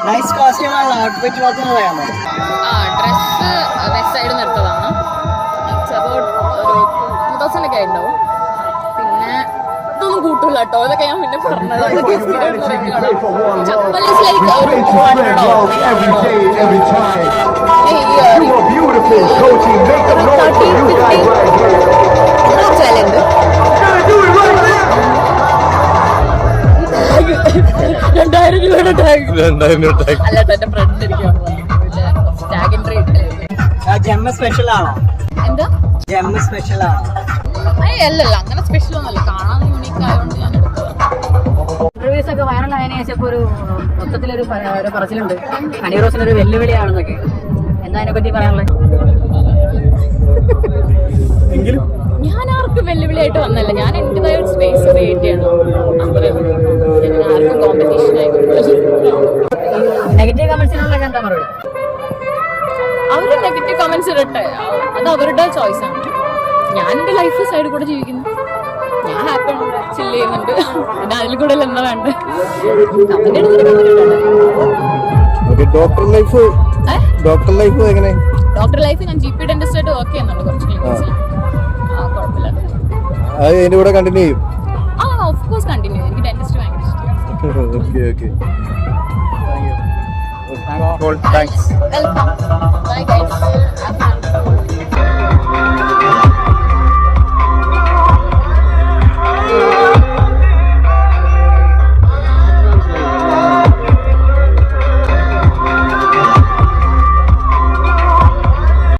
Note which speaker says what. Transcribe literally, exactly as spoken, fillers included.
Speaker 1: Nice costume ആണ്. Outfit മാത്രം പറയാമോ?
Speaker 2: ആ ഡ്രസ്സ് വെസ്റ്റ് സൈഡിൽ നിന്ന് എടുത്തതാണ്. ഇറ്റ്സ് അബൌട്ട് ഒരു ടൂ തൗസൻഡ് ഒക്കെ ഉണ്ടാവും. പിന്നെ ഇതൊന്നും കൂട്ടില്ല കേട്ടോ, ഇതൊക്കെ ഞാൻ പിന്നെ പറഞ്ഞത്. ചപ്പൽ ഇസ് ലൈക്ക് ഒരു ടു ഹൺഡ്രഡോ രണ്ടായിരം രൂപയുടെ ടാഗ്. രണ്ടായിരം രൂപ ടാഗ് അല്ല, എന്റെ ഫ്രണ്ട് ഇരിക്കും
Speaker 1: ജെമ്മ സ്പെഷ്യൽ ആണോ?
Speaker 2: എന്താ
Speaker 1: ജെമ്മ സ്പെഷ്യൽ ആണോ?
Speaker 2: അല്ലല്ല, അങ്ങനെ സ്പെഷ്യൽ ഒന്നുമല്ല. കാണാൻ യൂണീക്ക് ആയതുകൊണ്ട് ഞാൻ എടുത്തത്.
Speaker 3: ഇന്റർവ്യൂസ് ഒക്കെ വൈറലായതിനു ശേഷം ഇപ്പോൾ ഒരു മൊത്തത്തിലൊരു ഒരു പറച്ചിലുണ്ട് ഹണി റോസിന് ഒരു വെല്ലുവിളിയാണെന്നൊക്കെ. എന്താ അതിനെ പറ്റി പറയാനുള്ളത്?
Speaker 2: ഞാൻ ആർക്കും വെല്ലുവിളിയായിട്ട് വന്നല്ല. ഞാൻ എന്റേതായ ഒരു സ്പേസ് ക്രിയേറ്റ് ചെയ്യണം. ആർക്കും കോമ്പറ്റീഷൻ ആയിക്കോട്ടെ.
Speaker 3: നെഗറ്റീവ് കമന്റ്സിനുള്ള എന്താ മറുപടി?
Speaker 2: അവര് നെഗറ്റീവ് കമന്റ്സ് ഇടട്ടെ, അത് അവരുടെ ചോയ്സ് ആണ്. ഞാൻ എന്റെ ലൈഫ് സൈഡിൽ കൂടെ ജീവിക്കുന്നു. ഞാൻ ഹാപ്പി ചില്ല് ചെയ്യുന്നുണ്ട്. പിന്നെ അതിൽ കൂടെ എന്താ വേണ്ട?
Speaker 4: ഡോക്ടർ ലൈഫ് ഡോക്ടർ ലൈഫ് എങ്ങനെ?
Speaker 2: ഡോക്ടർ ലൈഫ് ഞാൻ ജി പി ഡെന്റിസ്റ്റ് ആയിട്ട് വർക്ക് ചെയ്യുന്നുണ്ട് കുറച്ച് ക്ലിനിക്സിൽ. ആ കുഴപ്പമില്ല.
Speaker 4: അത് എന്റെ കൂടെ കണ്ടിന്യൂ ചെയ്യും?
Speaker 2: ആ ഓഫ് കോഴ്സ് കണ്ടിന്യൂ. എനിക്ക് ഡെന്റിസ്റ്റ് ഭയങ്കര ഇഷ്ടമാണ്.
Speaker 4: Okay okay thanks.
Speaker 2: Welcome. Bye guys.